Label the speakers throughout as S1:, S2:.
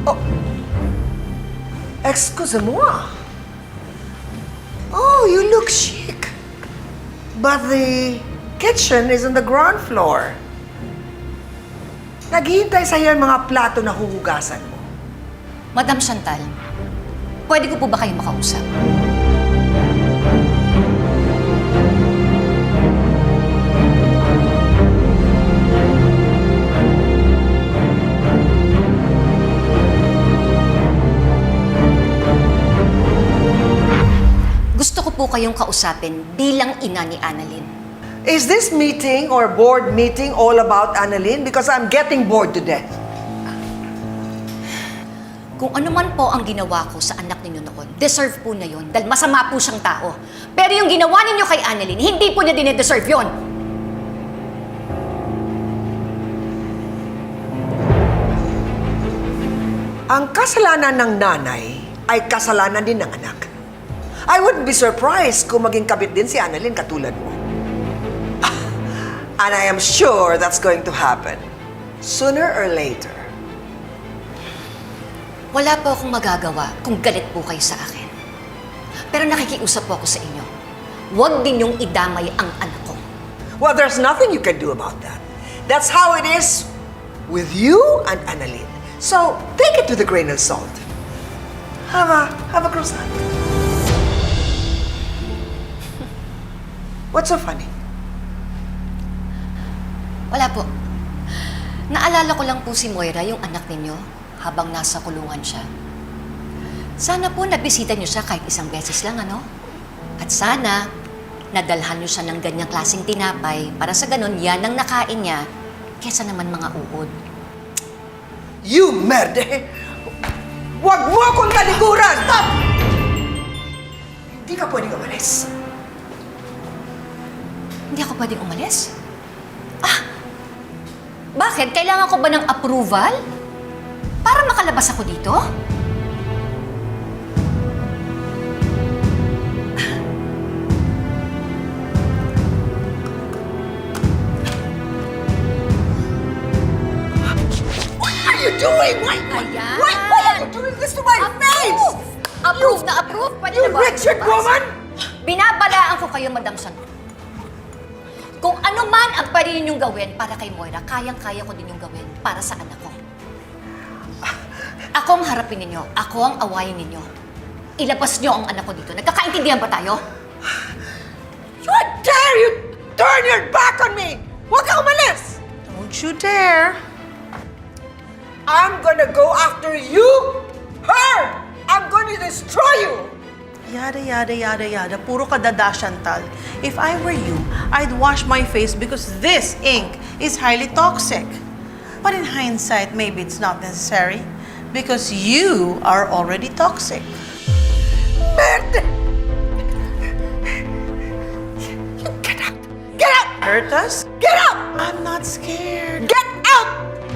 S1: Oh, excusez-moi. Oh, you look chic. But the kitchen is on the ground floor. Naghihintay sa'yo yung mga plato na huhugasan mo.
S2: Madam Chantal, pwede ko po ba kayo makausap? Gusto ko po kayong kausapin bilang ina ni Annalyn.
S1: Is this meeting or board meeting all about Annalyn? Because I'm getting bored to death.
S2: Kung ano man po ang ginawa ko sa anak ninyo noon, deserve po na yun dahil masama po siyang tao. Pero yung ginawa ninyo kay Annalyn, hindi po niya dine-deserve yun.
S1: Ang kasalanan ng nanay ay kasalanan din ng anak. I wouldn't be surprised kung maging kabit din si Annalyn katulad mo. And I am sure that's going to happen. Sooner or later.
S2: Wala po akong magagawa kung galit po kayo sa akin. Pero nakikiusap po ako sa inyo. Huwag din yung idamay ang anak ko.
S1: Well, there's nothing you can do about that. That's how it is with you and Annalyn. So, take it with a grain of salt. Have a croissant. What's so funny?
S2: Wala po. Naalala ko lang po si Moira, yung anak ninyo, habang nasa kulungan siya. Sana po nabisita niyo siya kahit isang beses lang, ano? At sana, nadalhan niyo siya ng ganyang klaseng tinapay para sa ganun yan ang nakain niya kesa naman mga uod.
S1: You merde! Huwag mo akong talikuran! Stop! Hindi ka pwedeng umalis.
S2: Hindi ako pwedeng umalis? Bakit? Kailangan ko ba ng approval? Para makalabas ako dito?
S1: What are you doing? Why are you doing this to my face?
S2: Approve na approve? Pwede
S1: You
S2: na ba?
S1: wretched woman!
S2: Binabalaan ko kayo, Madam Chantal. Kung ano man ang pwede ninyong gawin para kay Moira, kayang-kaya ko din yung gawin para sa anak ko. Ako ang harapin ninyo. Ako ang awayin ninyo. Ilabas niyo ang anak ko dito. Nagkakaintindihan ba tayo?
S1: How dare you turn your back on me! Huwag ka umalis!
S3: Don't you dare.
S1: I'm gonna go after you, her! I'm going to destroy you!
S3: Yada, yada, yada, yada. Puro ka dada, Chantal. If I were you, I'd wash my face because this ink is highly toxic. But in hindsight, maybe it's not necessary because you are already toxic.
S1: Merde! Get out! Get out!
S3: Hurt us?
S1: Get out!
S3: I'm not scared.
S1: Get out!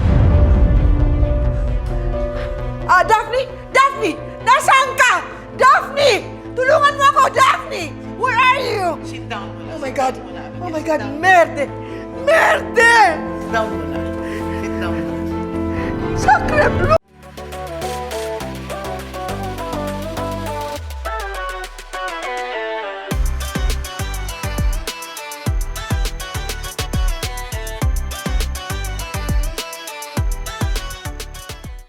S1: Daphne! Daphne! Nasaan ka? Daphne! Tulungan mo ako, Daphne! Where are you?
S3: Sit down muna.
S1: Oh my God! Oh my God! Merde! Merde!
S3: Sit down muna.